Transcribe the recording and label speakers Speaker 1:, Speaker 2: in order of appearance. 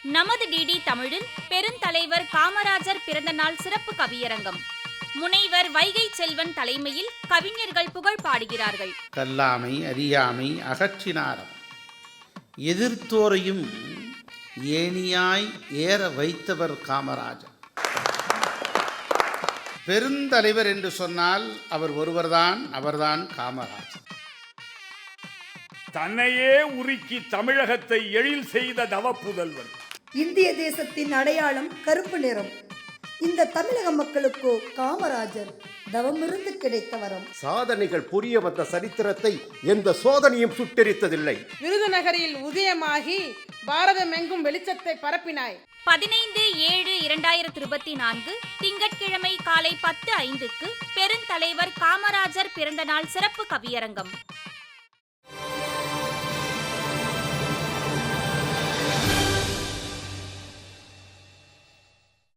Speaker 1: நமது டிடி தமிழில் பெருந்தலைவர் காமராஜர் பிறந்தநாள் சிறப்பு கவியரங்கம். முனைவர் வைகை செல்வன் தலைமையில் கவிஞர்கள் புகழ் பாடுகிறார்கள்.
Speaker 2: கல்லாமை அறியாமை அகற்றினாரம் எதிர்த்தோரையும் ஏணியாய் ஏற வைத்தவர் காமராஜர். பெருந்தலைவர் என்று சொன்னால் அவர் ஒருவர்தான், அவர்தான் காமராஜர்.
Speaker 3: தன்னையே உருக்கி தமிழகத்தை எழில் செய்த தவப்புதல்வர்.
Speaker 4: இந்திய தேசத்தின் அடையாளம் கருப்பு நிறம். இந்த தமிழக மக்களுக்கோ காமராஜர் தவமிருந்து கிடைத்த வரம்.
Speaker 5: சாதனைகள் புரிய வந்த சரித்திரத்தை எந்த சோதனையும் சுட்டெரித்ததில்லை.
Speaker 6: விருதுநகரில் உதயமாகி பாரதமெங்கும் வெளிச்சத்தை பரப்பினாய்.
Speaker 1: 15/7/2024 திங்கட்கிழமை காலை 10:05 பெருந்தலைவர் காமராஜர் பிறந்தநாள் சிறப்பு கவியரங்கம்.